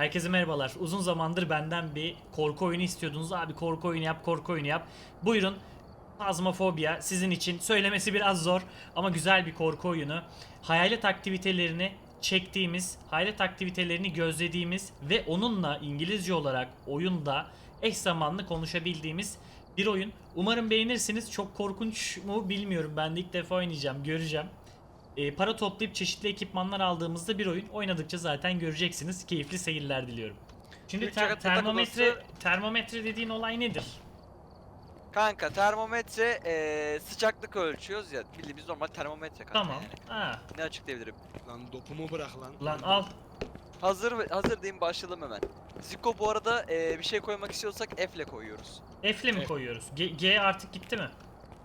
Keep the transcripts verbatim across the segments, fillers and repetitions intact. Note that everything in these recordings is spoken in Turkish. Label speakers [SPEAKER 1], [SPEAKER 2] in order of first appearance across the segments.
[SPEAKER 1] Herkese merhabalar. Uzun zamandır benden bir korku oyunu istiyordunuz. Abi korku oyunu yap, korku oyunu yap. Buyurun. Phasmophobia sizin için. Söylemesi biraz zor ama güzel bir korku oyunu. Hayalet aktivitelerini çektiğimiz, hayalet aktivitelerini gözlediğimiz ve onunla İngilizce olarak oyunda eş zamanlı konuşabildiğimiz bir oyun. Umarım beğenirsiniz. Çok korkunç mu bilmiyorum. Ben de ilk defa oynayacağım, göreceğim. E, para toplayıp çeşitli ekipmanlar aldığımızda bir oyun. Oynadıkça zaten göreceksiniz. Keyifli seyirler diliyorum. Şimdi
[SPEAKER 2] Türkçe
[SPEAKER 1] ter-
[SPEAKER 2] yatak
[SPEAKER 1] termometre
[SPEAKER 2] odası-
[SPEAKER 1] termometre dediğin olay nedir?
[SPEAKER 2] Kanka termometre eee, sıcaklık ölçüyoruz ya. Bildiğimiz normal termometre kanka
[SPEAKER 1] Tamam.
[SPEAKER 2] yani.
[SPEAKER 1] Ha,
[SPEAKER 2] Ne açıklayabilirim?
[SPEAKER 3] Lan dopumu bırak lan.
[SPEAKER 1] lan al.
[SPEAKER 2] Hazır hazır diyeyim, başlayalım hemen. Ziko bu arada eee, bir şey koymak istiyorsak F ile koyuyoruz.
[SPEAKER 1] F'le mi
[SPEAKER 3] F.
[SPEAKER 1] koyuyoruz? G, G artık gitti mi?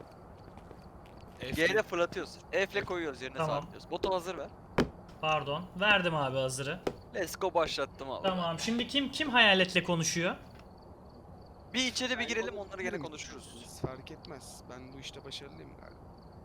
[SPEAKER 2] G ile fırlatıyoruz. F ile koyuyoruz, yerine
[SPEAKER 1] Tamam.
[SPEAKER 2] sabitliyoruz. Botu hazır ver.
[SPEAKER 1] Pardon. Verdim abi hazırı.
[SPEAKER 2] Let's go, başlattım abi.
[SPEAKER 1] Tamam. Şimdi kim kim hayaletle konuşuyor?
[SPEAKER 2] Bir içeri bir girelim, onları gene
[SPEAKER 3] Girelim.
[SPEAKER 2] konuşuruz.
[SPEAKER 3] Fark etmez. Ben bu işte başarılıyım galiba.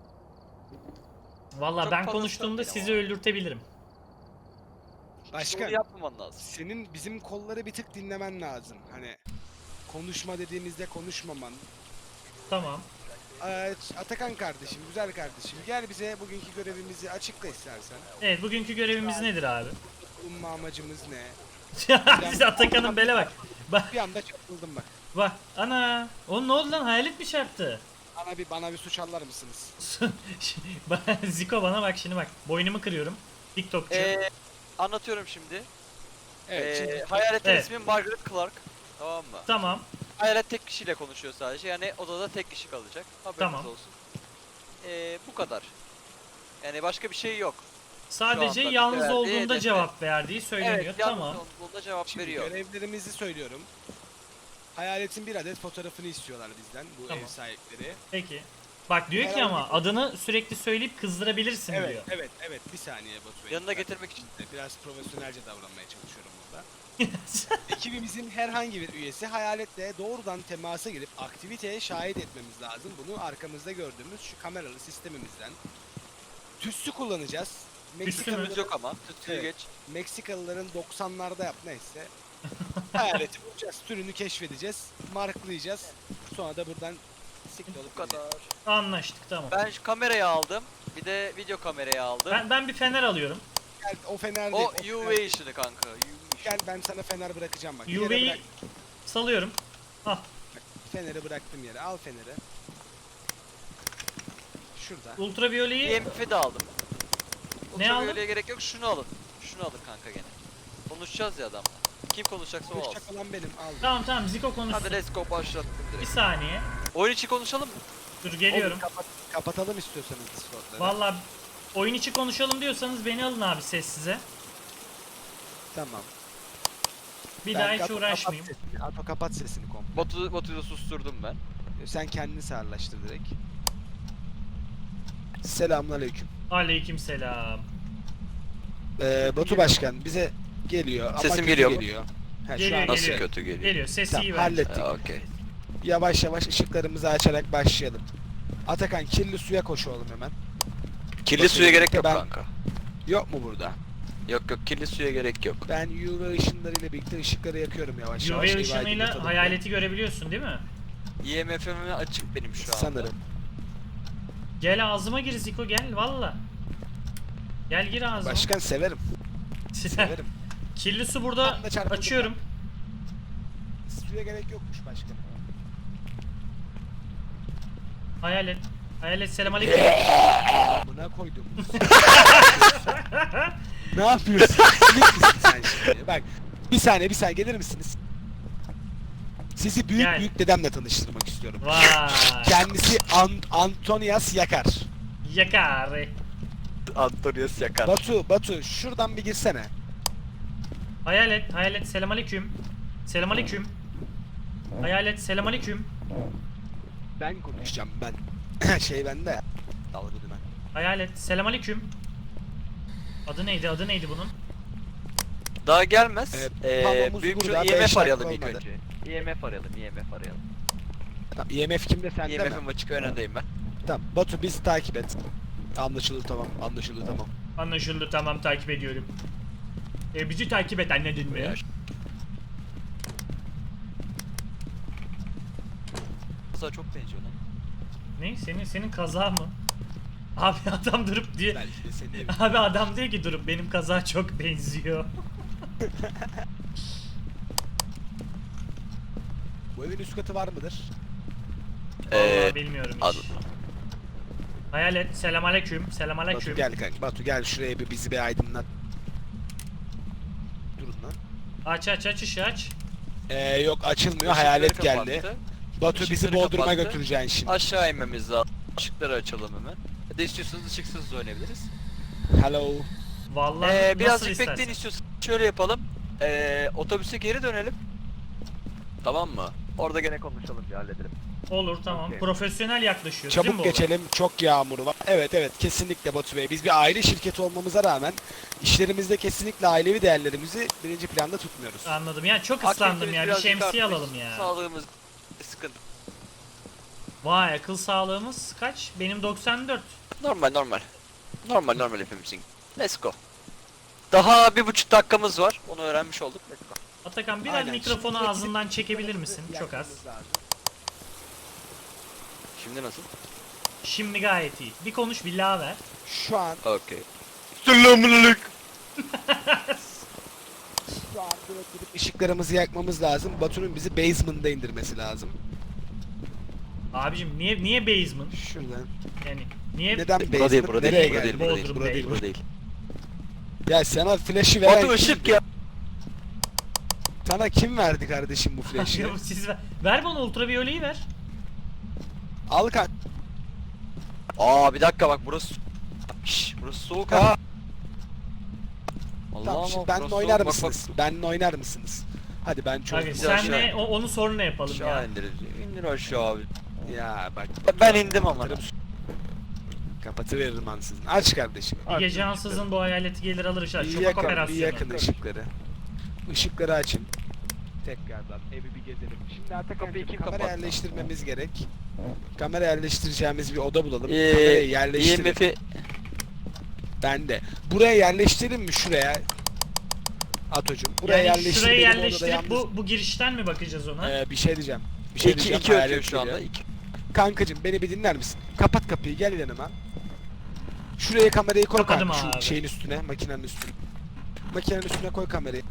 [SPEAKER 1] Valla
[SPEAKER 2] Çok
[SPEAKER 1] ben
[SPEAKER 2] fazla
[SPEAKER 1] konuştuğumda
[SPEAKER 2] sıkıntı
[SPEAKER 1] sizi
[SPEAKER 2] ama.
[SPEAKER 1] öldürtebilirim.
[SPEAKER 3] Başkan,
[SPEAKER 2] Bunu yapmaman lazım.
[SPEAKER 3] senin bizim kolları bir tık dinlemen lazım. Hani konuşma dediğimizde konuşmaman.
[SPEAKER 1] Tamam.
[SPEAKER 3] Ee, Atakan kardeşim, güzel kardeşim. Gel bize bugünkü görevimizi açıkla istersen.
[SPEAKER 1] Evet, bugünkü görevimiz nedir abi?
[SPEAKER 3] Bulunma amacımız ne?
[SPEAKER 1] Siz Atakan'ın bele bak. Bak
[SPEAKER 3] Bir anda çarpıldım bak.
[SPEAKER 1] bak. Ana. Oğlum ne oldu lan? Hayalet mi çarptı?
[SPEAKER 3] Bana bir bana bir suç alır mısınız?
[SPEAKER 1] Ba- Ziko bana bak şimdi bak. Boynumu kırıyorum. TikTokçu.
[SPEAKER 2] Eee, anlatıyorum şimdi.
[SPEAKER 3] Evet,
[SPEAKER 2] Eee
[SPEAKER 3] şimdi
[SPEAKER 2] hayaletin
[SPEAKER 1] Evet.
[SPEAKER 2] ismi Margaret Clark. Tamam mı?
[SPEAKER 1] Tamam.
[SPEAKER 2] Hayalet tek kişiyle konuşuyor sadece. Yani odada tek kişi kalacak. Haberiniz
[SPEAKER 1] Tamam.
[SPEAKER 2] olsun. Ee, bu kadar. Yani başka bir şey yok.
[SPEAKER 1] Sadece
[SPEAKER 2] anda
[SPEAKER 1] yalnız
[SPEAKER 2] verdiği
[SPEAKER 1] olduğunda
[SPEAKER 2] hedefe.
[SPEAKER 1] cevap verdiği söyleniyor.
[SPEAKER 2] Evet, yalnız
[SPEAKER 1] Tamam.
[SPEAKER 2] olduğunda cevap
[SPEAKER 3] şimdi
[SPEAKER 2] veriyor.
[SPEAKER 3] görevlerimizi söylüyorum. Hayaletin bir adet fotoğrafını istiyorlar bizden bu
[SPEAKER 1] Tamam.
[SPEAKER 3] ev sahipleri.
[SPEAKER 1] Peki. Bak diyor ki
[SPEAKER 3] Herhangi
[SPEAKER 1] ama
[SPEAKER 3] bir-
[SPEAKER 1] adını sürekli söyleyip kızdırabilirsin
[SPEAKER 3] Evet,
[SPEAKER 1] diyor.
[SPEAKER 3] evet, evet. Bir saniye Batu Bey.
[SPEAKER 2] Yanına
[SPEAKER 3] Ben
[SPEAKER 2] getirmek için.
[SPEAKER 3] biraz profesyonelce davranmaya çalışıyorum burada. Ekibimizin herhangi bir üyesi hayaletle doğrudan temasa girip aktiviteye şahit etmemiz lazım. Bunu arkamızda gördüğümüz şu kameralı sistemimizden. Tüssü kullanacağız.
[SPEAKER 1] Tüssü mü?
[SPEAKER 2] Tütsümüz yok ama. Tütsüyü
[SPEAKER 3] Evet.
[SPEAKER 2] geç.
[SPEAKER 3] Meksikalıların doksanlarda yap neyse. Hayaleti bulacağız, türünü keşfedeceğiz, marklayacağız. Sonra da buradan siktir
[SPEAKER 2] Bu
[SPEAKER 3] olup
[SPEAKER 2] kadar.
[SPEAKER 1] Anlaştık tamam.
[SPEAKER 2] Ben şu kamerayı aldım. Bir de video kamerayı aldım.
[SPEAKER 1] Ben, ben bir fener alıyorum.
[SPEAKER 3] Gel, o fener
[SPEAKER 2] O
[SPEAKER 3] değil.
[SPEAKER 2] U
[SPEAKER 3] fener-
[SPEAKER 2] V ışını kanka. U V ışını.
[SPEAKER 3] Gel ben sana fener bırakacağım bak. Bir yere
[SPEAKER 1] U V'yi
[SPEAKER 3] bırak-
[SPEAKER 1] salıyorum. Al.
[SPEAKER 3] Feneri bıraktım yere. Al feneri. Şurada.
[SPEAKER 1] Ultraviyoleyi
[SPEAKER 2] E M F'i de aldım.
[SPEAKER 1] Ne aldın?
[SPEAKER 2] Ultraviyoleye gerek yok. Şunu alın. Şunu alın kanka gene. Konuşacağız ya adamla. Kim konuşacaksa o alsın.
[SPEAKER 3] Konuşacak olan benim. Al.
[SPEAKER 1] tamam tamam Ziko konuşsun.
[SPEAKER 2] Hadi let's go, başlattım
[SPEAKER 1] Bir
[SPEAKER 2] direkt.
[SPEAKER 1] saniye.
[SPEAKER 2] Oyun içi konuşalım mı?
[SPEAKER 1] Dur geliyorum.
[SPEAKER 3] Oğlum, kapat- kapatalım istiyorsanız Discord'ları.
[SPEAKER 1] Valla oyun içi konuşalım diyorsanız beni alın abi sessize.
[SPEAKER 3] Tamam.
[SPEAKER 1] Bir
[SPEAKER 3] Ben
[SPEAKER 1] daha hiç
[SPEAKER 3] Ato
[SPEAKER 1] uğraşmayayım.
[SPEAKER 3] Kapat sesini. Ato kapat sesini komple.
[SPEAKER 2] Batu, Batu'yu da susturdum ben.
[SPEAKER 3] Sen kendini sağırlaştır direkt. Selamünaleyküm.
[SPEAKER 1] Aleykümselam.
[SPEAKER 3] Ee, Batu Başkan bize geliyor ama
[SPEAKER 2] Sesim
[SPEAKER 3] kötü
[SPEAKER 2] geliyor mu?
[SPEAKER 3] geliyor. Ha,
[SPEAKER 1] Geliyor,
[SPEAKER 3] şu an
[SPEAKER 1] geliyor.
[SPEAKER 2] kötü geliyor?
[SPEAKER 1] Geliyor sesi
[SPEAKER 3] Tamam,
[SPEAKER 1] iyi bence.
[SPEAKER 3] hallettik.
[SPEAKER 2] Ha, okey.
[SPEAKER 3] Yavaş yavaş ışıklarımızı açarak başlayalım. Atakan kirli suya koş oğlum hemen.
[SPEAKER 2] Kirli
[SPEAKER 3] Batu,
[SPEAKER 2] suya gerek yok
[SPEAKER 3] ben-
[SPEAKER 2] kanka.
[SPEAKER 3] Yok mu burada?
[SPEAKER 2] Yok yok, kirli suya gerek yok.
[SPEAKER 3] Ben U V ışınlarıyla birlikte ışıkları yakıyorum yavaş
[SPEAKER 1] U
[SPEAKER 3] yavaş.
[SPEAKER 1] V
[SPEAKER 3] Evi
[SPEAKER 1] ışınıyla
[SPEAKER 3] aydınlatalım.
[SPEAKER 1] hayaleti görebiliyorsun değil mi?
[SPEAKER 2] E M F'im açık benim şu anda.
[SPEAKER 3] Sanırım.
[SPEAKER 1] Gel ağzıma gir Ziko gel valla. Gel gir ağzıma.
[SPEAKER 3] Başkan severim. Severim.
[SPEAKER 1] Kirli su burada
[SPEAKER 3] Tam da çarpıldım
[SPEAKER 1] açıyorum.
[SPEAKER 3] Suya gerek yokmuş başkanım.
[SPEAKER 1] Hayalet. Hayalet selam aleyküm.
[SPEAKER 3] Buna koydum. Ne yapıyorsun? Silik misin sen şimdi? Bak bir saniye bir saniye gelir misiniz? Sizi büyük
[SPEAKER 1] Gel.
[SPEAKER 3] büyük dedemle tanıştırmak istiyorum.
[SPEAKER 1] Vay.
[SPEAKER 3] Kendisi An Antonias Yakar.
[SPEAKER 1] Yakar.
[SPEAKER 2] Antonius yakar.
[SPEAKER 3] Batu, Batu şuradan bir girsene.
[SPEAKER 1] Hayalet, hayalet selam aleyküm. Selam aleyküm. Hayalet selam aleyküm.
[SPEAKER 3] Ben konuşacağım ben. Şey bende ya. Dalga dümen.
[SPEAKER 1] Hayalet selam aleyküm. Adı neydi? Adı neydi bunun?
[SPEAKER 2] Daha gelmez.
[SPEAKER 3] Evet,
[SPEAKER 2] Ee,
[SPEAKER 3] Pablo'muz
[SPEAKER 2] büyük
[SPEAKER 3] burada,
[SPEAKER 2] şu E M
[SPEAKER 3] beş
[SPEAKER 2] F arayalım
[SPEAKER 3] dakika
[SPEAKER 2] ilk
[SPEAKER 3] olmadı.
[SPEAKER 2] önce. E M F arayalım, E M F arayalım.
[SPEAKER 3] Tamam, E M F kimde sende
[SPEAKER 2] E
[SPEAKER 3] mi?
[SPEAKER 2] M F'im açık, önündeyim ben.
[SPEAKER 3] Tamam Batu bizi takip et. Anlaşıldı tamam anlaşıldı tamam.
[SPEAKER 1] Anlaşıldı tamam takip ediyorum. E, bizi takip et anladın mı?
[SPEAKER 2] Buyur. kaza çok benziyor lan.
[SPEAKER 1] Ne? Senin senin kaza mı? Abi adam durup diyor.
[SPEAKER 3] Belki de senin evin.
[SPEAKER 1] Abi adam diyor ki durup benim kaza çok benziyor.
[SPEAKER 3] Bu evin üst katı var mıdır?
[SPEAKER 1] Vallahi
[SPEAKER 2] Ee,
[SPEAKER 1] bilmiyorum hiç.
[SPEAKER 2] ad-
[SPEAKER 1] Hayalet selamünaleyküm.
[SPEAKER 3] Batu
[SPEAKER 1] Selamünaleyküm.
[SPEAKER 3] gel kanka. Batu gel şuraya bir bizi bir aydınlat. Durun lan.
[SPEAKER 1] Aç aç aç ışığı aç.
[SPEAKER 3] Ee, yok açılmıyor.
[SPEAKER 2] ışıkları
[SPEAKER 3] Hayalet
[SPEAKER 2] kapattı.
[SPEAKER 3] geldi. Batu bizi
[SPEAKER 2] Işıkları
[SPEAKER 3] Bodrum'a
[SPEAKER 2] kapattı.
[SPEAKER 3] götüreceksin şimdi.
[SPEAKER 2] Aşağı inmemiz lazım. Işıkları açalım hemen. Ya da istiyorsanız ışıksız da oynayabiliriz.
[SPEAKER 3] Hello.
[SPEAKER 1] Vallahi
[SPEAKER 2] Ee,
[SPEAKER 1] nasıl
[SPEAKER 2] birazcık
[SPEAKER 1] istersen.
[SPEAKER 2] bekleyin istiyorsanız. Şöyle yapalım. Ee, otobüse geri dönelim. Tamam mı? Orada gene konuşalım bir halledelim.
[SPEAKER 1] Olur tamam.
[SPEAKER 2] Okey.
[SPEAKER 1] Profesyonel yaklaşıyoruz değil mi
[SPEAKER 3] Çabuk
[SPEAKER 1] bu olay?
[SPEAKER 3] geçelim. Çok yağmur var. Evet evet kesinlikle Batu Bey. Biz bir aile şirketi olmamıza rağmen işlerimizde kesinlikle ailevi değerlerimizi birinci planda tutmuyoruz.
[SPEAKER 1] Anladım. Yani çok ıslandım
[SPEAKER 2] Aktivitemiz
[SPEAKER 1] ya. Bir
[SPEAKER 2] birazcık
[SPEAKER 1] şemsiye
[SPEAKER 2] artmış,
[SPEAKER 1] alalım ya.
[SPEAKER 2] Sağlığımız sıkıntı.
[SPEAKER 1] Vay akıl sağlığımız kaç? Benim doksan dört.
[SPEAKER 2] Normal normal. Normal normal hepimizin. Let's go. Daha bir buçuk dakikamız var. Onu öğrenmiş olduk. Let's go.
[SPEAKER 1] Atakan biraz
[SPEAKER 3] Aynen.
[SPEAKER 1] mikrofonu
[SPEAKER 3] Şimdi
[SPEAKER 1] ağzından
[SPEAKER 3] gidip
[SPEAKER 1] çekebilir misin?
[SPEAKER 3] yakmamız
[SPEAKER 1] Çok az.
[SPEAKER 3] lazım.
[SPEAKER 2] Şimdi nasıl?
[SPEAKER 1] Şimdi gayet iyi. Bir konuş bir la ver.
[SPEAKER 3] Şu an
[SPEAKER 2] Okey. Selamünaleyküm.
[SPEAKER 3] şu an direkt gidip ışıklarımızı yakmamız lazım. Batu'nun bizi basement'da indirmesi lazım.
[SPEAKER 1] Abicim niye niye basement?
[SPEAKER 3] Şuradan.
[SPEAKER 1] Yani niye
[SPEAKER 3] Neden
[SPEAKER 2] Burada
[SPEAKER 3] basement?
[SPEAKER 2] değil, burada
[SPEAKER 3] Nereye
[SPEAKER 2] değil, burada
[SPEAKER 3] geldi?
[SPEAKER 2] değil, burada değil,
[SPEAKER 1] Bodrum
[SPEAKER 2] burada değil,
[SPEAKER 1] değil.
[SPEAKER 2] burada değil.
[SPEAKER 3] Ya sana flash'ı veren
[SPEAKER 2] Batu ışık
[SPEAKER 3] kimdi?
[SPEAKER 2] ya.
[SPEAKER 3] Sana kim verdi kardeşim bu flash'ı?
[SPEAKER 1] Ya siz ver. Ver bana ultraviyoleyi ver.
[SPEAKER 3] Al kan.
[SPEAKER 2] Aa bir dakika bak burası. Şşş burası soğuk ha.
[SPEAKER 3] Tamam
[SPEAKER 2] Allah'ım
[SPEAKER 3] şimdi
[SPEAKER 2] bak,
[SPEAKER 3] benimle
[SPEAKER 2] burası
[SPEAKER 3] oynar
[SPEAKER 2] soğuk. Bak,
[SPEAKER 3] mısınız? Benimle oynar mısınız? Hadi ben çok
[SPEAKER 1] Abi
[SPEAKER 2] Güzel,
[SPEAKER 3] güzel.
[SPEAKER 1] senle
[SPEAKER 2] aşağı.
[SPEAKER 1] o- onu sonra
[SPEAKER 2] Bak,
[SPEAKER 1] yapalım
[SPEAKER 2] aşağı
[SPEAKER 1] ya.
[SPEAKER 2] indir. İndir aşağı abi.
[SPEAKER 3] Ya bak.
[SPEAKER 2] Ben indim ama.
[SPEAKER 3] Kapatıveririm ansızın. Aç kardeşim.
[SPEAKER 1] Bir gece ansızın bu hayaleti gelir alır ışığa.
[SPEAKER 3] Bir
[SPEAKER 1] Şofak
[SPEAKER 3] yakın, bir
[SPEAKER 1] operasyonu.
[SPEAKER 3] yakın ışıkları. Işıkları açın. Tekrardan evi bir gezelim. Şimdi artık
[SPEAKER 2] Kapıyı kim
[SPEAKER 3] kamera
[SPEAKER 2] kapattı?
[SPEAKER 3] yerleştirmemiz gerek. Kamera yerleştireceğimiz bir oda bulalım.
[SPEAKER 2] Ee,
[SPEAKER 3] Kamerayı yerleştirelim.
[SPEAKER 2] I M F'i
[SPEAKER 3] Ben de. Buraya yerleştirelim mi şuraya? Atocuğum. Buraya
[SPEAKER 1] Yani
[SPEAKER 3] yerleştir.
[SPEAKER 1] şuraya
[SPEAKER 3] benim odada
[SPEAKER 1] yerleştirip
[SPEAKER 3] yalnız-
[SPEAKER 1] bu bu girişten mi bakacağız ona?
[SPEAKER 3] Ee, bir şey diyeceğim. Bir şey
[SPEAKER 2] iki,
[SPEAKER 3] diyeceğim.
[SPEAKER 2] iki ötüyor
[SPEAKER 3] hayalet
[SPEAKER 2] şu anda.
[SPEAKER 3] geliyor.
[SPEAKER 2] iki.
[SPEAKER 3] Kankacım beni bir dinler misin? Kapat kapıyı gel yanıma. Şuraya kamerayı koy
[SPEAKER 1] Kapadım
[SPEAKER 3] kanka, şu
[SPEAKER 1] abi.
[SPEAKER 3] şeyin üstüne, makinenin üstüne. Makinenin üstüne koy kamerayı.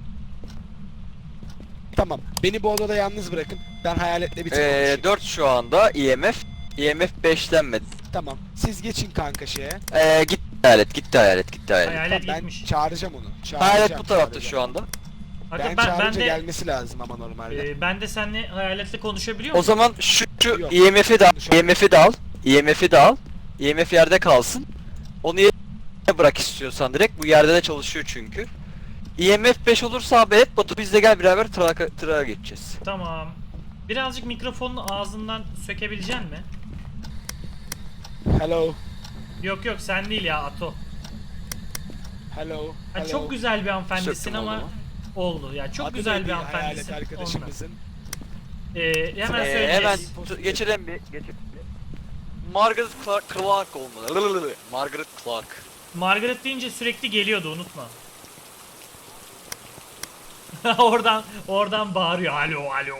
[SPEAKER 3] Tamam. Beni bu odada yalnız bırakın. Ben hayaletle bir tek
[SPEAKER 2] Ee,
[SPEAKER 3] konuşayım.
[SPEAKER 2] dört şu anda I M F. I M F beşlenmedi.
[SPEAKER 3] Tamam. Siz geçin kanka şeye.
[SPEAKER 2] Ee, gitti hayalet, gitti hayalet, gitti hayalet.
[SPEAKER 1] Hayalet
[SPEAKER 3] Tamam, ben
[SPEAKER 1] gitmiş.
[SPEAKER 3] çağıracağım onu. Çağıracağım,
[SPEAKER 2] Hayalet bu tarafta
[SPEAKER 3] çağıracağım.
[SPEAKER 2] şu anda.
[SPEAKER 1] Aga,
[SPEAKER 3] Ben,
[SPEAKER 1] ben, ben
[SPEAKER 3] çağırınca
[SPEAKER 1] de
[SPEAKER 3] gelmesi lazım ama normalde.
[SPEAKER 1] e, ben de seninle hayaletle konuşabiliyor
[SPEAKER 2] O
[SPEAKER 1] muyum?
[SPEAKER 2] zaman şu, şu
[SPEAKER 3] Yok.
[SPEAKER 2] I M F'i de al,
[SPEAKER 3] Konuşalım.
[SPEAKER 2] I M F'i de al, I M F'i de al. I M F yerde kalsın. Onu yerine bırak istiyorsan direkt. Bu yerde de çalışıyor çünkü. I M F beş olursa haber et. Batu biz de gel beraber trağa, trağa geçeceğiz.
[SPEAKER 1] Tamam. Birazcık mikrofonun ağzından sökebilecek mi?
[SPEAKER 3] Hello.
[SPEAKER 1] Yok yok sen değil ya Ato.
[SPEAKER 3] Hello.
[SPEAKER 1] Ha,
[SPEAKER 3] hello.
[SPEAKER 1] çok güzel bir hanımefendisin
[SPEAKER 2] Söktüm
[SPEAKER 1] ama
[SPEAKER 2] oldu mu?
[SPEAKER 1] oldu ya çok
[SPEAKER 3] Adı
[SPEAKER 1] güzel
[SPEAKER 3] neydi
[SPEAKER 1] bir
[SPEAKER 3] hayalet
[SPEAKER 1] hanımefendisin. Ondan.
[SPEAKER 3] arkadaşımızın.
[SPEAKER 1] Ee, hemen
[SPEAKER 2] Ee,
[SPEAKER 1] söyleyeceğiz.
[SPEAKER 2] hemen tu- geçelim bir. Geçelim bir. Margaret Clark, Clark olmalı. Margaret Clark.
[SPEAKER 1] Margaret deyince sürekli geliyordu unutma. oradan oradan bağırıyor alo alo.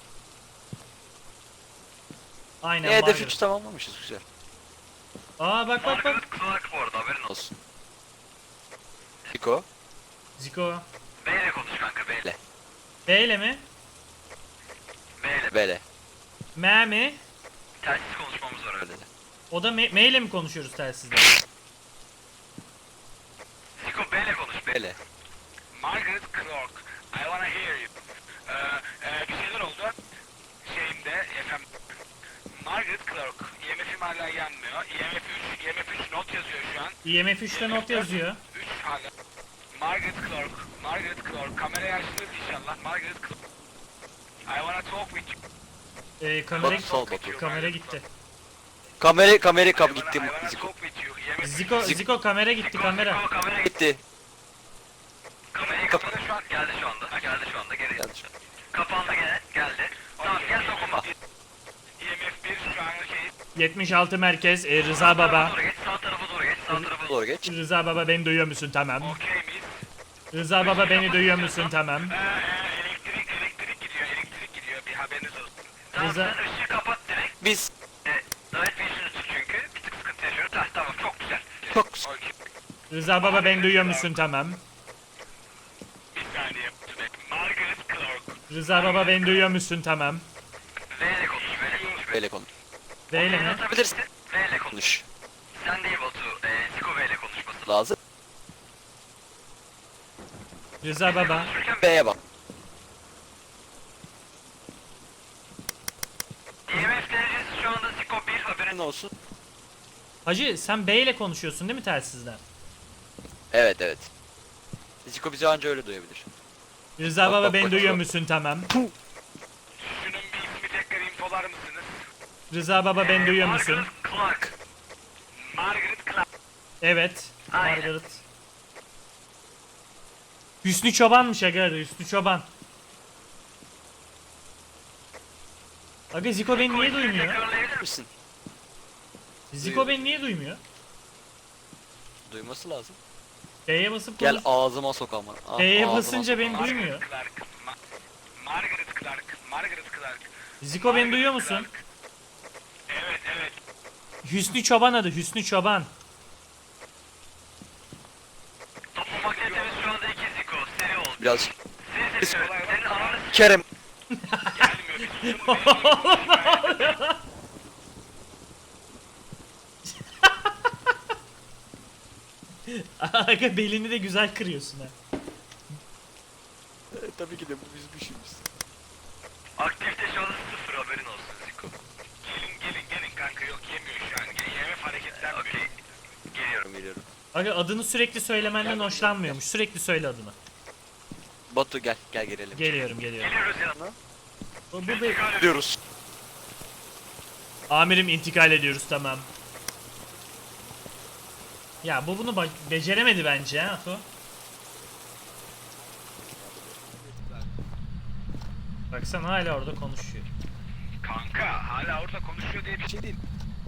[SPEAKER 1] Aynen
[SPEAKER 2] E, hedef
[SPEAKER 1] Margaret.
[SPEAKER 2] üç tamamlamışız güzel.
[SPEAKER 1] Aa bak bak bak.
[SPEAKER 2] Clark bu arada haberin olsun. Niko.
[SPEAKER 1] Ziko.
[SPEAKER 2] Beyle konuş kanka beyle.
[SPEAKER 1] B ile mi?
[SPEAKER 2] Beyle. Beyle.
[SPEAKER 1] M mi?
[SPEAKER 2] Telsiz konuşmamız var öyle de.
[SPEAKER 1] O da M, M ile mi konuşuyoruz telsizde?
[SPEAKER 2] Niko beyle konuş beyle.
[SPEAKER 4] Margaret Clark, I wanna hear you. Ee, e, bir şeyler oldu. Şeyimde, efendim. Margaret Clark, I M F'im hala yanmıyor. I M F üç, I M F üç not yazıyor şu an.
[SPEAKER 1] I M F üçte not yazıyor.
[SPEAKER 4] üç hala. Margaret Clark, Margaret Clark, kamerayı açtınız inşallah. Margaret Clark. I wanna talk with you.
[SPEAKER 1] Ee, kamera,
[SPEAKER 2] Batu sal Batu.
[SPEAKER 1] kamera gitti.
[SPEAKER 2] Kamera kamera
[SPEAKER 4] I
[SPEAKER 2] kap
[SPEAKER 4] wanna,
[SPEAKER 2] gitti
[SPEAKER 4] I wanna
[SPEAKER 2] Ziko.
[SPEAKER 4] talk with you. I M F
[SPEAKER 1] Ziko,
[SPEAKER 2] Zik-
[SPEAKER 1] Ziko kamera gitti
[SPEAKER 4] Ziko,
[SPEAKER 1] kamera.
[SPEAKER 4] Ziko, kamera
[SPEAKER 2] Gitti.
[SPEAKER 4] Kamerayı
[SPEAKER 2] Kap-
[SPEAKER 4] kapadı şu an. Geldi şu anda. Ha, geldi şu anda. Geri.
[SPEAKER 2] Geldi şu an.
[SPEAKER 4] Kapandı gene. Geldi. Tamam gel dokunma. I M F bir şu an şey.
[SPEAKER 1] yetmiş altı merkez e, Rıza Baba.
[SPEAKER 4] Doğru geç, sağ tarafa doğru geç, sağ tarafa doğru.
[SPEAKER 2] Doğru geç.
[SPEAKER 1] Rıza Baba beni duyuyor musun tamam.
[SPEAKER 4] Okey miyiz?
[SPEAKER 1] Rıza Baba beni duyuyor musun tamam.
[SPEAKER 4] Ee, e, elektrik, elektrik gidiyor, elektrik gidiyor. Bir haberiniz olsun. Tamam
[SPEAKER 1] Rıza-
[SPEAKER 4] sen ışığı kapat de.
[SPEAKER 2] biz.
[SPEAKER 4] Night Vision'ı çünkü bir tık sıkıntı yaşıyoruz. Ah, tamam çok güzel.
[SPEAKER 2] Çok güzel.
[SPEAKER 4] Okey.
[SPEAKER 1] Rıza baba beni duyuyor musun? Tamam.
[SPEAKER 4] Bir saniye. Margaret Clark.
[SPEAKER 1] Rıza baba beni duyuyor musun? Tamam.
[SPEAKER 4] V ile konuş. V ile konuş.
[SPEAKER 2] Böyle konuş.
[SPEAKER 1] V ile mi?
[SPEAKER 2] Bilirsin.
[SPEAKER 4] V ile konuş.
[SPEAKER 2] Konuş.
[SPEAKER 4] Sen değil Batu. E, Ziko V ile konuşması.
[SPEAKER 2] Lazım.
[SPEAKER 1] Rıza baba.
[SPEAKER 4] Konuşurken
[SPEAKER 2] B'ye bak.
[SPEAKER 4] E M F derecesi şu anda Ziko bir haberin
[SPEAKER 2] Ne olsun?
[SPEAKER 1] Hacı sen B ile konuşuyorsun değil mi telsizden?
[SPEAKER 2] Evet evet. Ziko bizi anca öyle duyabilir.
[SPEAKER 1] Rıza
[SPEAKER 2] Bak,
[SPEAKER 1] baba
[SPEAKER 2] bak,
[SPEAKER 1] beni
[SPEAKER 2] bak,
[SPEAKER 1] duyuyor
[SPEAKER 2] bak.
[SPEAKER 1] musun? Tamam.
[SPEAKER 4] Şunun bir ismi tekrar infolar mısınız?
[SPEAKER 1] Rıza baba beni
[SPEAKER 4] Ee,
[SPEAKER 1] duyuyor musun?
[SPEAKER 4] Margaret Clark. Margaret Clark.
[SPEAKER 1] Evet.
[SPEAKER 4] Aynen.
[SPEAKER 1] Margaret. Hüsnü Çoban'mış aga. Hüsnü Çoban. Aga Ziko beni niye duymuyor?
[SPEAKER 4] Tekrarlayabilir misin?
[SPEAKER 2] Misin?
[SPEAKER 1] Ziko beni niye duymuyor?
[SPEAKER 2] Duyması lazım.
[SPEAKER 1] B'ye basıp
[SPEAKER 2] Gel
[SPEAKER 1] konuş.
[SPEAKER 2] ağzıma sok ama. Ah,
[SPEAKER 1] B'ye
[SPEAKER 2] ağzıma
[SPEAKER 1] basınca
[SPEAKER 2] sok.
[SPEAKER 1] beni
[SPEAKER 4] Margaret
[SPEAKER 1] duymuyor.
[SPEAKER 4] Clark. Ma- Margaret Clark. Margaret Clark.
[SPEAKER 1] Ziko beni
[SPEAKER 4] Margaret
[SPEAKER 1] duyuyor musun?
[SPEAKER 4] Clark. Evet evet.
[SPEAKER 1] Hüsnü Çoban adı. Hüsnü Çoban.
[SPEAKER 4] Topu magnetimiz şu anda iki Ziko. Seri oldu.
[SPEAKER 2] Biraz
[SPEAKER 4] Seri seri söyle. Senin ananı s-
[SPEAKER 2] Kerem.
[SPEAKER 4] gelmiyor. Biz şunu beğenmiyoruz.
[SPEAKER 1] Aga belini de güzel kırıyorsun ha.
[SPEAKER 2] Tabii ki de bu bizim işimiz.
[SPEAKER 4] Aktivite şu anda sıfır haberin olsun Ziko. Gelin gelin gelin kanka yok yemiyor şu an. E M F hareketlenmiyor. Okey. Geliyorum.
[SPEAKER 2] Geliyorum.
[SPEAKER 1] Aga adını sürekli söylemenden hoşlanmıyormuş. Sürekli söyle adını.
[SPEAKER 2] Batu gel gel gelelim.
[SPEAKER 1] Geliyorum geliyorum.
[SPEAKER 4] Geliyoruz yanına.
[SPEAKER 1] Bu, bu be-
[SPEAKER 2] Gidiyoruz.
[SPEAKER 1] Amirim intikal ediyoruz tamam. Ya bu bunu ba- beceremedi bence ha Ato. Baksana hala orada konuşuyor.
[SPEAKER 4] Kanka hala orada konuşuyor diye bir şey değil.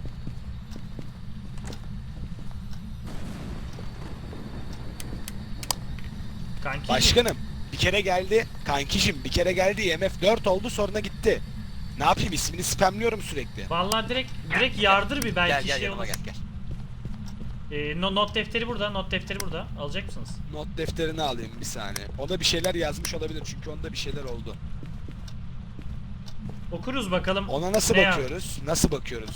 [SPEAKER 1] Kanki.
[SPEAKER 3] Başkanım bir kere geldi. Kankişim bir kere geldi. I M F dört oldu sonra gitti. Ne yapayım ismini spamlıyorum sürekli.
[SPEAKER 1] Vallahi direkt direkt yardır bir belki
[SPEAKER 2] Gel gel
[SPEAKER 1] şey
[SPEAKER 2] yanıma
[SPEAKER 1] olur.
[SPEAKER 2] gel gel.
[SPEAKER 1] Ee, no- not defteri burada, not defteri burada. Alacak mısınız?
[SPEAKER 3] Not defterini alayım bir saniye. O da bir şeyler yazmış olabilir çünkü onda bir şeyler oldu.
[SPEAKER 1] Okuruz bakalım.
[SPEAKER 3] Ona nasıl
[SPEAKER 1] Ne
[SPEAKER 3] bakıyoruz? Nasıl bakıyoruz?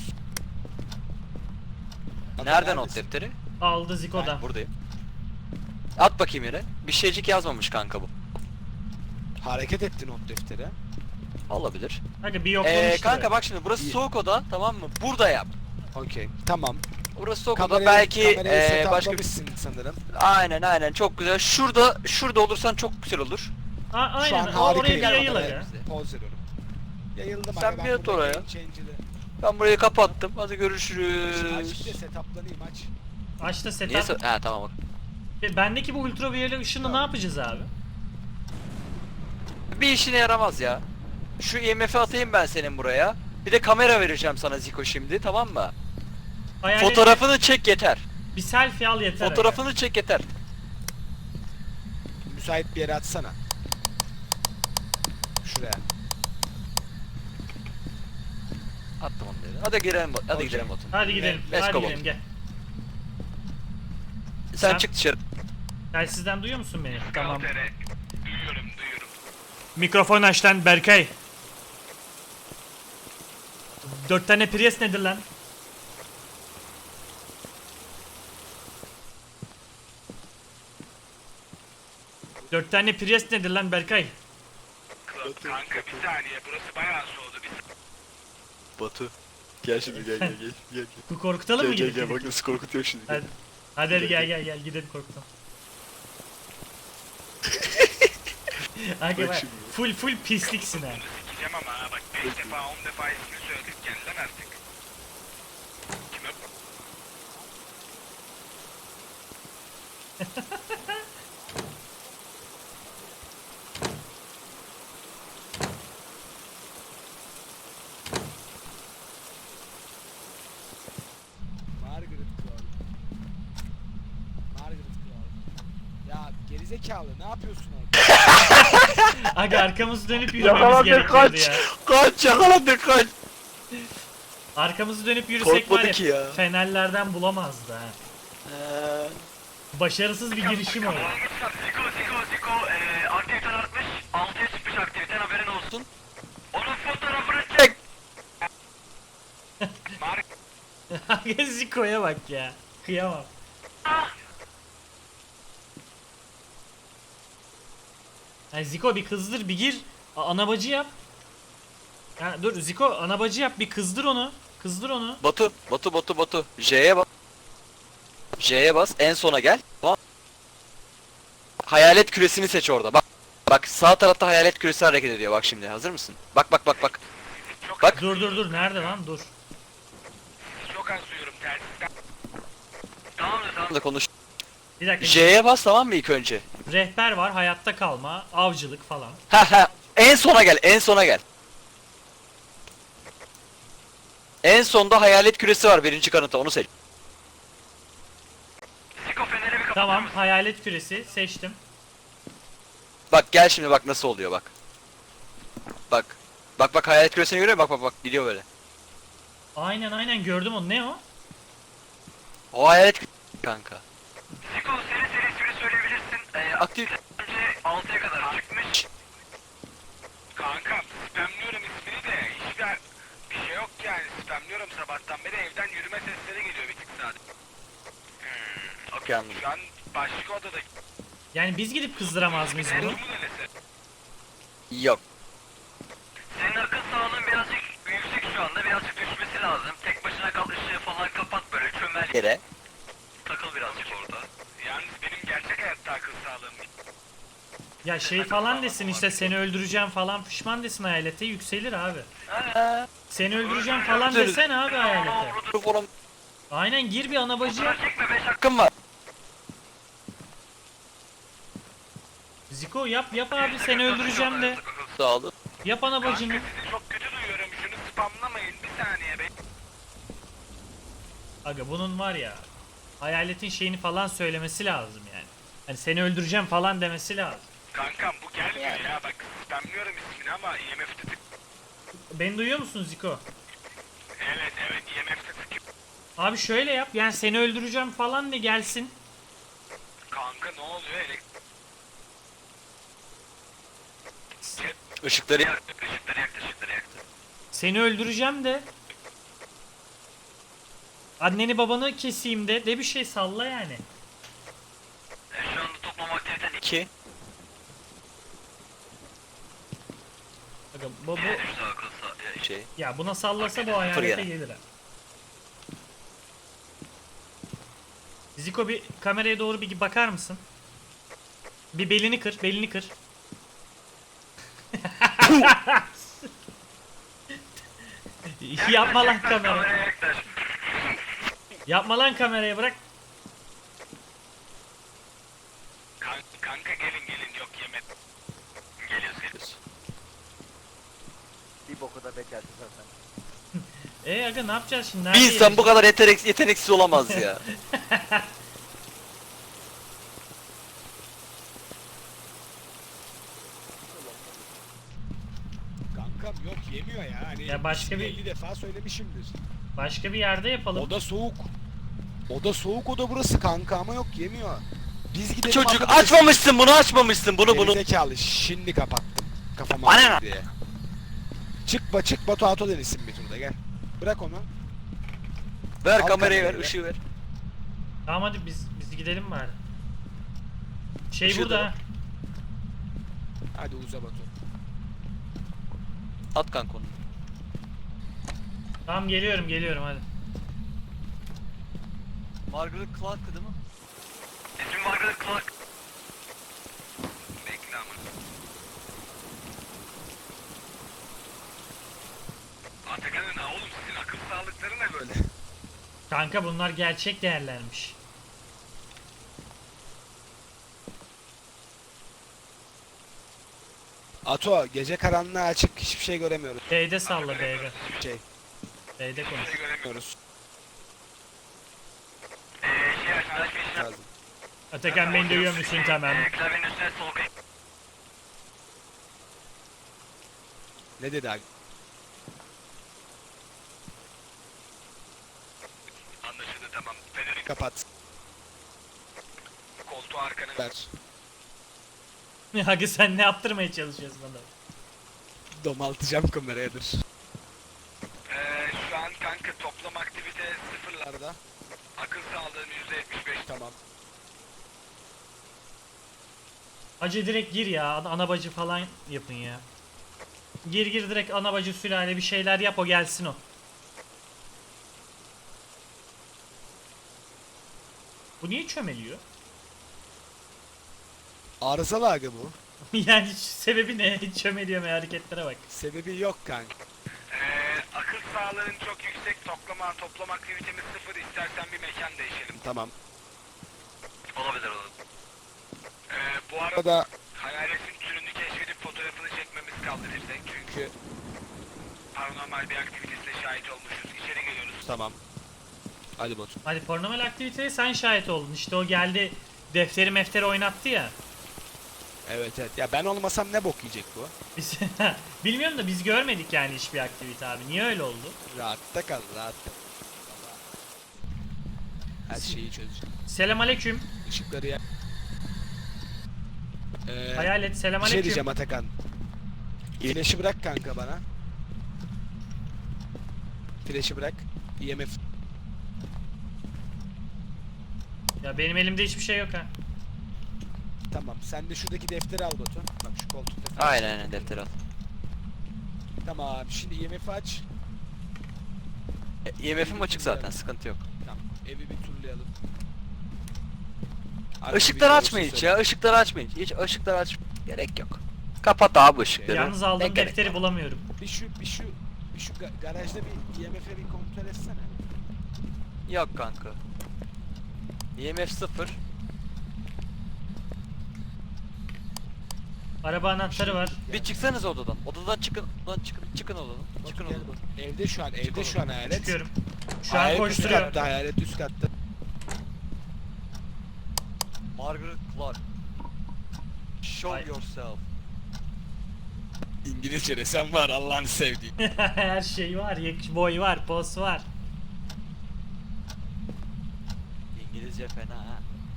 [SPEAKER 3] Ata
[SPEAKER 2] Nerede not
[SPEAKER 3] neredesin?
[SPEAKER 2] defteri?
[SPEAKER 1] Aldı Ziko'dan.
[SPEAKER 2] Ha, buradayım. At bakayım yere. Bir şeycik yazmamış kanka bu.
[SPEAKER 3] Hareket etti not defteri.
[SPEAKER 2] Olabilir.
[SPEAKER 1] Kanka bir yoklamıştır.
[SPEAKER 2] Ee, kanka bak şimdi burası
[SPEAKER 3] İyi.
[SPEAKER 2] soğuk oda tamam mı? Burada yap.
[SPEAKER 3] Okey. Tamam.
[SPEAKER 2] Burası soğuk oda
[SPEAKER 3] Kamerayı,
[SPEAKER 2] belki
[SPEAKER 3] kamerayı
[SPEAKER 2] ee, başka bir...
[SPEAKER 3] setup'lamışsın sanırım.
[SPEAKER 2] Aynen aynen çok güzel. Şurada şurada olursan çok güzel olur.
[SPEAKER 1] A- aynen.
[SPEAKER 3] Şu an
[SPEAKER 1] o-
[SPEAKER 3] harika
[SPEAKER 1] oraya bir
[SPEAKER 3] yer
[SPEAKER 1] yayıl
[SPEAKER 3] kameraya.
[SPEAKER 1] aga.
[SPEAKER 3] Poz veriyorum. Yayıldım
[SPEAKER 2] Sen
[SPEAKER 3] aga, ben
[SPEAKER 2] bir at
[SPEAKER 3] burada
[SPEAKER 2] oraya.
[SPEAKER 3] game changer'ı-
[SPEAKER 2] Ben burayı kapattım. Hadi
[SPEAKER 3] Aç bir de
[SPEAKER 2] görüşürüz.
[SPEAKER 3] setuplanayım aç.
[SPEAKER 1] Aç da setup.
[SPEAKER 2] Niye so- Ha tamam bak.
[SPEAKER 1] E, Bendeki bu ultraviyole ışını ne yapacağız abi?
[SPEAKER 2] Bir işine yaramaz ya. Şu I M F'i atayım ben senin buraya. Bir de kamera vereceğim sana Ziko şimdi tamam mı?
[SPEAKER 1] Hayal
[SPEAKER 2] Fotoğrafını çek yeter.
[SPEAKER 1] bir selfie al yeter. aga.
[SPEAKER 2] Fotoğrafını çek yeter.
[SPEAKER 3] Müsait bir yere atsana. Şuraya.
[SPEAKER 2] Attım onu dedi. Hadi girelim. Hadi
[SPEAKER 3] Okey.
[SPEAKER 2] gidelim Batu.
[SPEAKER 1] Hadi gidelim.
[SPEAKER 2] Let's
[SPEAKER 1] Hadi
[SPEAKER 2] go
[SPEAKER 1] gidelim
[SPEAKER 2] Batu.
[SPEAKER 1] gel.
[SPEAKER 2] Sen,
[SPEAKER 1] Sen-
[SPEAKER 2] çık dışarı.
[SPEAKER 1] Telsizden duyuyor musun beni? Tamam.
[SPEAKER 4] Kaltere. Duyuyorum duyuyorum.
[SPEAKER 1] Mikrofon aç lan Berkay. Dört tane Prius nedir lan? Dört tane Prius nedir lan Berkay?
[SPEAKER 4] Kanka bir saniye burası bayağı soğudu. Bir
[SPEAKER 2] Batu. Gel şimdi gel gel gel. Gel
[SPEAKER 1] Bu korkutalım mı gidip? gidip?
[SPEAKER 2] nasıl korkutuyor şimdi.
[SPEAKER 1] Hadi, hadi, hadi gel gel gel gidelim korkutalım. Aga
[SPEAKER 2] Bak
[SPEAKER 1] bak,
[SPEAKER 2] şimdi.
[SPEAKER 1] full full pisliksin ha.
[SPEAKER 4] bunu sikeceğim ama ha bak beş defa on defa ismini söyledik gel lan artık. Kime?
[SPEAKER 3] Margaret Clark. Margaret Clark. Ya gerizekalı ne yapıyorsun orada?
[SPEAKER 1] Aga arkamızı dönüp yürümemiz gerekiyordu ya.
[SPEAKER 2] Kaç yakaladık kaç.
[SPEAKER 1] Arkamızı dönüp yürüsek var
[SPEAKER 2] Korkmadı
[SPEAKER 1] ya,
[SPEAKER 2] ki ya.
[SPEAKER 1] fenerlerden bulamazdı ha.
[SPEAKER 2] Eee,
[SPEAKER 1] Başarısız bir girişim oldu.
[SPEAKER 4] Ziko, Ziko, Ziko, eee aktiviten artmış. altıya çıkmış aktiviten, haberin olsun. Onun fotoğrafını çek. Mark,
[SPEAKER 1] Ziko'ya bak ya. Kıyamam. Yani Ziko bir kızdır, bir gir. A- Anabacı yap. Ha, dur Ziko, anabacı yap, bir kızdır onu. Kızdır onu.
[SPEAKER 2] Batu, Batu, Batu, Batu. J'ye bas. J'ye bas. En sona gel. Tamam. Hayalet küresini seç orada. Bak. Bak sağ tarafta hayalet küresi hareket ediyor. Bak şimdi. Hazır mısın? Bak bak bak bak. Bak.
[SPEAKER 1] Dur dur dur, nerede lan, dur.
[SPEAKER 4] çok az duyuyorum telsizden. Tamam da tamam.
[SPEAKER 2] Da konuş.
[SPEAKER 1] Bir dakika.
[SPEAKER 2] J'ye bas tamam mı ilk önce?
[SPEAKER 1] Rehber var, hayatta kalma, avcılık falan.
[SPEAKER 2] Ha ha. En sona gel. En sona gel. En sonda hayalet küresi var birinci kanıta. Onu seç.
[SPEAKER 4] Ziko feneri bir kapatır
[SPEAKER 1] Tamam,
[SPEAKER 4] mısın?
[SPEAKER 1] hayalet küresi seçtim.
[SPEAKER 2] Bak gel şimdi bak nasıl oluyor bak. Bak. Bak bak hayalet küresini görüyor musun? Bak bak bak gidiyor böyle.
[SPEAKER 1] Aynen aynen, gördüm onu. Ne o?
[SPEAKER 2] O hayalet küresi kanka.
[SPEAKER 4] Ziko seri seri ismini söyleyebilirsin. Ee,
[SPEAKER 2] Aktif.
[SPEAKER 4] önce altıya kadar çıkmış. Kankam spamlıyorum ismini de hiçbir bir şey yok yani, spamlıyorum sabahtan beri, evden yürüme sesleri geliyor bir tık sadece. Hmm,
[SPEAKER 2] Okey, anladım.
[SPEAKER 4] şu an başka odada.
[SPEAKER 1] Yani biz gidip kızdıramaz mıyız bunu?
[SPEAKER 4] Mu denese?
[SPEAKER 2] Yok.
[SPEAKER 4] Senin akıl sağlığın birazcık yüksek şu anda, birazcık düşmesi lazım. Tek başına kal, ışığı falan kapat, böyle çömel.
[SPEAKER 2] Yere.
[SPEAKER 4] Takıl birazcık orada. Yalnız benim gerçek hayatta akıl sağlığım.
[SPEAKER 1] Ya şey falan desin işte, seni öldüreceğim falan pişman desin hayalete, yükselir abi. Seni öldüreceğim falan desen abi hayalete.
[SPEAKER 2] Oğlum
[SPEAKER 1] Aynen, gir bir anabacı yap.
[SPEAKER 4] Çekme beş
[SPEAKER 2] hakkım var.
[SPEAKER 1] Ziko yap yap abi, seni öldüreceğim de.
[SPEAKER 2] Sağ olun.
[SPEAKER 1] Yap anabacını.
[SPEAKER 4] Kanka sizi çok kötü duyuyorum, şunu spamlamayın bir saniye be.
[SPEAKER 1] Aga bunun var ya, hayaletin şeyini falan söylemesi lazım yani. Hani seni öldüreceğim falan demesi lazım.
[SPEAKER 4] Kankam bu gelmiyor ya, bak spamlıyorum ismini ama I M F'te tık.
[SPEAKER 1] Beni duyuyor musun Ziko?
[SPEAKER 4] Evet evet, I M F'te tık.
[SPEAKER 1] Abi şöyle yap, yani seni öldüreceğim falan de gelsin.
[SPEAKER 4] Kanka ne oluyor, elektrik
[SPEAKER 2] Işıkları
[SPEAKER 4] yaktı, ışıkları yaktı, ışıkları yaktı.
[SPEAKER 1] Seni öldüreceğim de. Anneni babanı keseyim de. De bir şey salla yani.
[SPEAKER 4] E, şu anda toplam aktiviten iki.
[SPEAKER 2] iki.
[SPEAKER 1] Aga, bu, bu,
[SPEAKER 4] Düştü akıl sağ-
[SPEAKER 2] Şey.
[SPEAKER 1] ya buna sallasa bu hayalete
[SPEAKER 2] Fırına.
[SPEAKER 1] gelir ha. Ziko bir kameraya doğru bir bakar mısın? Bir belini kır, belini kır. Yapma lan kamera.
[SPEAKER 4] Kameraya yaklaş.
[SPEAKER 1] Yapma lan kameraya, bırak.
[SPEAKER 4] Kan- Kanka gelin gelin, yok yemek. Geliyoruz geliyoruz.
[SPEAKER 5] Bir boku da bekerdi zaten.
[SPEAKER 1] E aga ne yapacağız şimdi?
[SPEAKER 2] Bir
[SPEAKER 1] Nerede
[SPEAKER 2] insan bu
[SPEAKER 1] yiyeceğiz?
[SPEAKER 2] kadar yetenek, yeteneksiz olamaz ya.
[SPEAKER 3] Kankam yok, yemiyor ya. Hani
[SPEAKER 1] Ya başka bir-
[SPEAKER 3] elli defa söylemişimdir.
[SPEAKER 1] Başka bir yerde yapalım.
[SPEAKER 3] Oda soğuk. Oda soğuk, oda burası kanka, ama yok, yemiyor. Biz gidelim.
[SPEAKER 2] Çocuk
[SPEAKER 3] anladık.
[SPEAKER 2] açmamışsın bunu açmamışsın bunu bunu.
[SPEAKER 3] Gerizekalı, şimdi kapattım. Kafama
[SPEAKER 2] Bana
[SPEAKER 3] attı diye. Çık ba çık Batu Ato denesin bir turda, gel. Bırak onu.
[SPEAKER 2] Ver
[SPEAKER 3] Al
[SPEAKER 2] kamerayı ver
[SPEAKER 3] kamerayı ver.
[SPEAKER 2] ışığı ver.
[SPEAKER 1] Tamam hadi biz biz gidelim bari. Şey
[SPEAKER 2] Işığı
[SPEAKER 1] burada
[SPEAKER 2] da-
[SPEAKER 1] ha.
[SPEAKER 3] Hadi uza Batu.
[SPEAKER 2] At kanka onu.
[SPEAKER 1] Tamam geliyorum geliyorum hadi.
[SPEAKER 2] Margaret Clark değil mi?
[SPEAKER 4] İsmim Margaret Clark. Bekle ama. Atakan'ın ha oğlum, sizin akıl sağlıkları ne böyle?
[SPEAKER 1] Kanka bunlar gerçek değerlermiş.
[SPEAKER 3] Ato, gece karanlığı açık, hiçbir şey göremiyoruz.
[SPEAKER 1] B'de salla B'de.
[SPEAKER 3] Hiçbir şey
[SPEAKER 1] B'de konuş.
[SPEAKER 4] Şey göremiyorum.
[SPEAKER 3] göremiyoruz.
[SPEAKER 4] Eee şey aç, flash bir işlem.
[SPEAKER 3] Lazım.
[SPEAKER 1] Atakan beni duyuyor musun, tamam.
[SPEAKER 4] Eee klavyenin üstüne sol klik.
[SPEAKER 3] Ne dedi abi? Kapat.
[SPEAKER 4] Koltuğu arkana
[SPEAKER 3] Ver.
[SPEAKER 1] Hagi sen ne yaptırmaya çalışıyorsun adam?
[SPEAKER 3] Domaltacağım kameraya dur.
[SPEAKER 4] Ee, şu an kanka toplam aktivite sıfırlarda. Akıl sağlığın yüzde yetmiş beş.
[SPEAKER 3] Tamam.
[SPEAKER 1] Hacı direkt gir ya. Ana ana bacı falan yapın ya. Gir gir direkt ana bacı sülale bir şeyler yap o gelsin o. Bu niye çömeliyor?
[SPEAKER 3] Arızalı aga bu.
[SPEAKER 1] Yani sebebi ne? Çömeliyor mu hareketlere bak.
[SPEAKER 3] Sebebi yok kanka.
[SPEAKER 4] Ee, akıl sağlığın çok yüksek. Toplama, toplam aktivitemiz sıfır. İstersen bir mekan değişelim.
[SPEAKER 3] Tamam.
[SPEAKER 4] Olabilir olabilir. Ee, bu arada
[SPEAKER 3] Burada
[SPEAKER 4] hayaletin türünü keşfedip fotoğrafını çekmemiz kaldı bir tek. Çünkü paranormal bir aktivitesine şahit olmuşuz. İçeri geliyoruz.
[SPEAKER 3] tamam. Hadi Batu.
[SPEAKER 1] Hadi paranormal aktiviteye sen şahit oldun. İşte o geldi defteri mefteri oynattı ya.
[SPEAKER 3] Evet evet. Ya ben olmasam ne bok yiyecek bu?
[SPEAKER 1] Biz bilmiyorum da biz görmedik yani hiçbir aktivite abi. Niye öyle oldu?
[SPEAKER 3] Rahatta kal rahatta. Her şeyi çözeceğim.
[SPEAKER 1] Selam aleyküm.
[SPEAKER 3] Işıkları ya. Ee,
[SPEAKER 1] Hayalet selam
[SPEAKER 3] bir şey
[SPEAKER 1] aleyküm.
[SPEAKER 3] diyeceğim Atakan. Flash'ı bırak kanka bana. Flash'ı bırak. E M F.
[SPEAKER 1] Ya benim elimde hiçbir şey yok ha.
[SPEAKER 3] Tamam. Sen de şuradaki defteri al Batu. Bak şu koltukta.
[SPEAKER 2] Aynen aynen defter al.
[SPEAKER 3] Tamam. Şimdi E M F'i aç.
[SPEAKER 2] E, E M F'im açık zaten, sıkıntı yok.
[SPEAKER 3] Tamam. Evi bir turlayalım.
[SPEAKER 2] Işıkları açmayın hiç ya, ışıkları açmayın. Hiç ışıkları aç gerek yok. Kapat abi ışıkları.
[SPEAKER 1] Yalnız aldığım
[SPEAKER 2] Ne gerek
[SPEAKER 1] defteri
[SPEAKER 2] var?
[SPEAKER 1] bulamıyorum.
[SPEAKER 3] Bir şu bir şu bir şu ga- garajda bir E M F'i bir kontrol etsene.
[SPEAKER 2] Yok kanka. E M F sıfır.
[SPEAKER 1] Araba anahtarı var.
[SPEAKER 2] Bir çıksanız odadan. Odadan çıkın. Odadan çıkın. Çıkın odadan.
[SPEAKER 3] Batu
[SPEAKER 2] Çıkın
[SPEAKER 3] gel
[SPEAKER 2] odadan.
[SPEAKER 3] Batu. Evde şu an evde şu an hayalet.
[SPEAKER 1] Çıkıyorum. Şu an
[SPEAKER 3] Hayalet üst
[SPEAKER 1] koşturuyorum.
[SPEAKER 3] katta, hayalet üst katta.
[SPEAKER 2] Margaret Clark. Show
[SPEAKER 1] Ay.
[SPEAKER 2] yourself.
[SPEAKER 3] İngilizce desem var Allah'ını sevdiğim.
[SPEAKER 1] Her şey var. Yak- Boy var. Pos var.
[SPEAKER 2] İngilizce fena ha.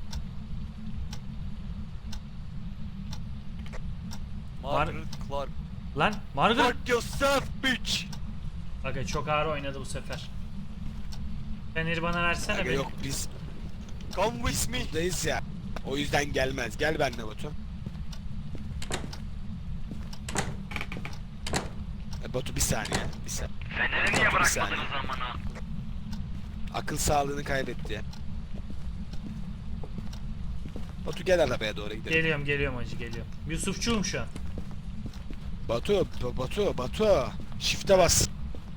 [SPEAKER 2] Margaret Clark.
[SPEAKER 1] Lan Margaret.
[SPEAKER 2] Fuck yourself bitch.
[SPEAKER 1] Aga çok ağır oynadı bu sefer. Feneri bana versene
[SPEAKER 3] Aga
[SPEAKER 1] be.
[SPEAKER 3] yok biz
[SPEAKER 2] Come with me.
[SPEAKER 3] buradayız ya. O yüzden gelmez. Gel benimle Batu. E, Batu bir saniye. Bir saniye.
[SPEAKER 4] Feneri niye
[SPEAKER 3] Bir
[SPEAKER 4] bırakmadınız
[SPEAKER 3] saniye.
[SPEAKER 4] amına?
[SPEAKER 3] Akıl sağlığını kaybetti. Batu gel arabaya doğru gidelim.
[SPEAKER 1] Geliyorum geliyorum hacı geliyorum. Yusufçuğum şu an.
[SPEAKER 3] Batu, Ba- Batu, Batu. Shift'e bas.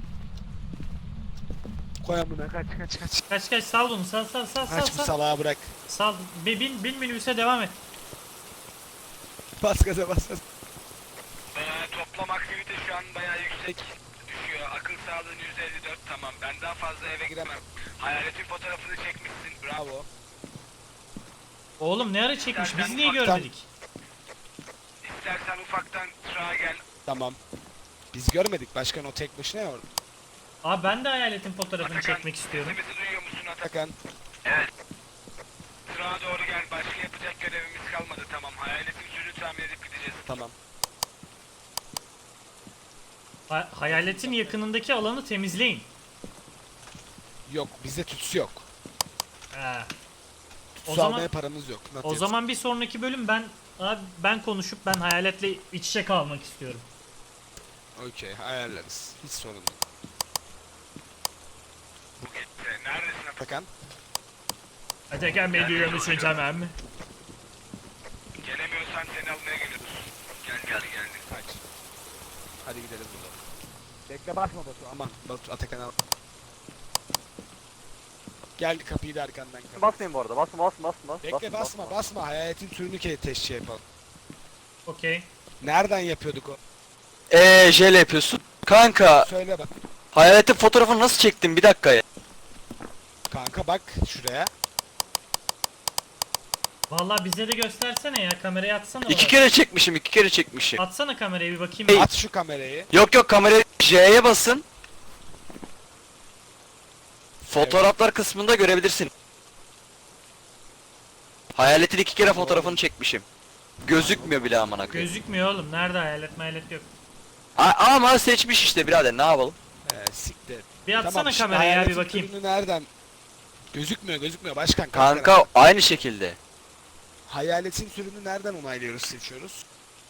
[SPEAKER 3] Koy amına kaç kaç kaç.
[SPEAKER 1] Kaç kaç sal bunu sal sal sal sal
[SPEAKER 3] Kaç bu
[SPEAKER 1] sal.
[SPEAKER 3] salağa bırak.
[SPEAKER 1] Sal. Bin, bin, bin minibüse devam et.
[SPEAKER 3] Bas gaza bas. bas.
[SPEAKER 4] Ee, toplam aktivite şu an bayağı yüksek düşüyor. Akıl sağlığın yüzde elli dört. Tamam. Ben daha fazla eve giremem. Hayaletin fotoğrafını çekmişsin. Bravo.
[SPEAKER 3] Bravo.
[SPEAKER 1] Oğlum ne ara çekmiş biz niye
[SPEAKER 3] ufaktan-
[SPEAKER 1] görmedik?
[SPEAKER 4] İstersen ufaktan tırağa gel.
[SPEAKER 3] Tamam. Biz görmedik. Başkan o tek başına ya orada.
[SPEAKER 1] Abi ben de hayaletin fotoğrafını
[SPEAKER 4] Atakan,
[SPEAKER 1] çekmek istiyorum.
[SPEAKER 4] sesimizi duyuyor musun Atakan?
[SPEAKER 3] Atakan.
[SPEAKER 4] Evet. Tırağa doğru gel. Başka yapacak görevimiz kalmadı. Tamam. Hayaletin sürü tamir edip gideceğiz.
[SPEAKER 3] Tamam.
[SPEAKER 1] Ha- hayaletin yakınındaki alanı temizleyin.
[SPEAKER 3] Yok bizde tütsü yok.
[SPEAKER 1] Ha.
[SPEAKER 3] Tütsü
[SPEAKER 1] O zaman-
[SPEAKER 3] almaya paramız yok. Not
[SPEAKER 1] O
[SPEAKER 3] yet.
[SPEAKER 1] zaman bir sonraki bölüm ben abi ben konuşup ben hayaletle iç içe kalmak istiyorum.
[SPEAKER 3] Okey ayarlarız. Hiç sorun yok.
[SPEAKER 4] Bu gitti. Neredesin Atakan?
[SPEAKER 3] Atakan.
[SPEAKER 1] Atakan Bey duyuyor musun tamam mı?
[SPEAKER 4] Gelemiyorsan seni almaya geliyoruz. Gel gel gel.
[SPEAKER 3] Kaç. Hadi gidelim buradan. Bekle basma Batu aman. Batu Atakan al. Gel kapıyı da arkandan kapat.
[SPEAKER 2] Basmayın bu arada. Basma basma basma.
[SPEAKER 3] Bekle basma basma. Hayaletin türünü ke teşhis yapalım.
[SPEAKER 1] Okey.
[SPEAKER 3] Nereden yapıyorduk o?
[SPEAKER 2] Eee jele yapıyorsun. Kanka
[SPEAKER 3] Söyle bak.
[SPEAKER 2] hayaletin fotoğrafını nasıl çektin bir dakika ya.
[SPEAKER 3] Kanka bak şuraya.
[SPEAKER 1] Vallahi bize de göstersene ya kamerayı atsana
[SPEAKER 2] İki
[SPEAKER 1] bana.
[SPEAKER 2] kere çekmişim iki kere çekmişim.
[SPEAKER 1] Atsana kamerayı bir bakayım.
[SPEAKER 3] At şu kamerayı.
[SPEAKER 2] Yok yok kamerayı J'ye basın. Fotoğraflar kısmında görebilirsin. Hayaletin iki kere fotoğrafını çekmişim. Gözükmüyor bile amına koyayım.
[SPEAKER 1] Gözükmüyor oğlum. Nerede hayalet mayalet yok.
[SPEAKER 2] A- Ama seçmiş işte birader, ne yapalım?
[SPEAKER 3] Ee, siktir.
[SPEAKER 1] Bir atsana
[SPEAKER 3] Tamam, şimdi
[SPEAKER 1] kameraya bir
[SPEAKER 3] hayaletin
[SPEAKER 1] bakayım.
[SPEAKER 3] türünü nereden? Gözükmüyor gözükmüyor başkan. kalk
[SPEAKER 2] Kanka aynı şekilde.
[SPEAKER 3] Hayaletin türünü nereden onaylıyoruz, seçiyoruz?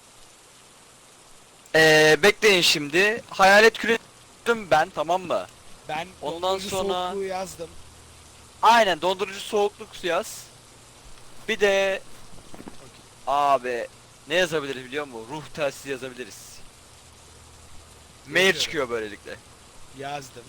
[SPEAKER 2] Ee, bekleyin şimdi. Hayalet küretim ben, tamam mı?
[SPEAKER 3] Ben
[SPEAKER 2] Ondan
[SPEAKER 3] dondurucu
[SPEAKER 2] sonra-
[SPEAKER 3] soğukluğu yazdım.
[SPEAKER 2] Aynen, dondurucu soğukluk yaz. Bir de abi ne yazabiliriz biliyor musun? Ruh telsizi yazabiliriz. Mail
[SPEAKER 3] Yazıyorum.
[SPEAKER 2] çıkıyor böylelikle.
[SPEAKER 3] Yazdım.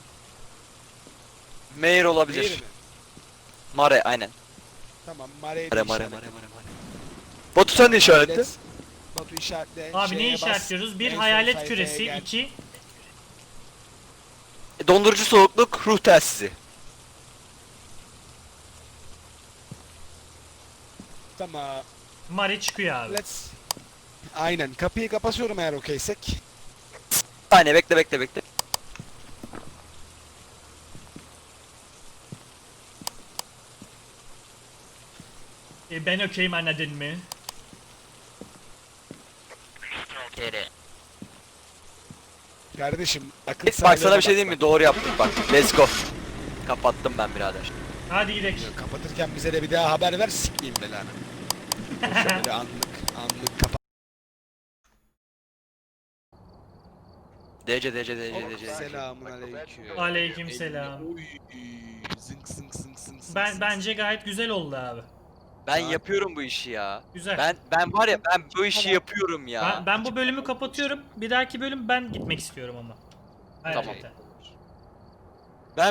[SPEAKER 2] Mail olabilir.
[SPEAKER 3] Değil mi?
[SPEAKER 2] Mare aynen.
[SPEAKER 3] Tamam, Mare'yi
[SPEAKER 2] Mare
[SPEAKER 3] de
[SPEAKER 2] mare mare
[SPEAKER 3] işaretledim.
[SPEAKER 2] mare mare. Batu sen de işaretle.
[SPEAKER 3] Hayalet- Batu işaretle.
[SPEAKER 1] Abi ne
[SPEAKER 3] şeye bas,
[SPEAKER 1] işaretliyoruz? Bir
[SPEAKER 3] en son
[SPEAKER 1] hayalet
[SPEAKER 3] sayfaya
[SPEAKER 1] küresi,
[SPEAKER 3] gel.
[SPEAKER 1] iki
[SPEAKER 2] E, Dondurucu soğukluk, ruh telsizi.
[SPEAKER 3] Tamam.
[SPEAKER 1] Mari çıkıyor abi.
[SPEAKER 3] Let's. Aynen. Kapıyı kapatıyorum eğer okeysek.
[SPEAKER 2] Saniye bekle bekle bekle.
[SPEAKER 1] E, ben okeyim anladın mı?
[SPEAKER 3] Kardeşim akıl
[SPEAKER 2] Bak
[SPEAKER 3] sağlığına
[SPEAKER 2] sana bir şey
[SPEAKER 3] bak,
[SPEAKER 2] diyeyim mi?
[SPEAKER 3] bak.
[SPEAKER 2] Doğru yaptık bak. Let's go. Kapattım ben birader.
[SPEAKER 1] Hadi gidelim.
[SPEAKER 3] Kapatırken bize de bir daha haber ver, sikmeyeyim belanı. Böyle anlık anlık kapat.
[SPEAKER 2] D C D C D C D C.
[SPEAKER 3] Selamun aleyküm.
[SPEAKER 1] Aleykümselam.
[SPEAKER 3] Oy, zınk zınk zınk zınk zınk
[SPEAKER 1] Ben
[SPEAKER 3] zınk.
[SPEAKER 1] bence gayet güzel oldu abi.
[SPEAKER 2] Ben
[SPEAKER 3] Saat-
[SPEAKER 2] yapıyorum bu işi ya.
[SPEAKER 1] Güzel.
[SPEAKER 2] Ben ben var ya, ben bu işi
[SPEAKER 3] Tamam.
[SPEAKER 2] yapıyorum ya.
[SPEAKER 1] Ben, ben bu bölümü kapatıyorum. Bir dahaki bölüm ben gitmek istiyorum ama.
[SPEAKER 2] Tamam.
[SPEAKER 1] Hayalete.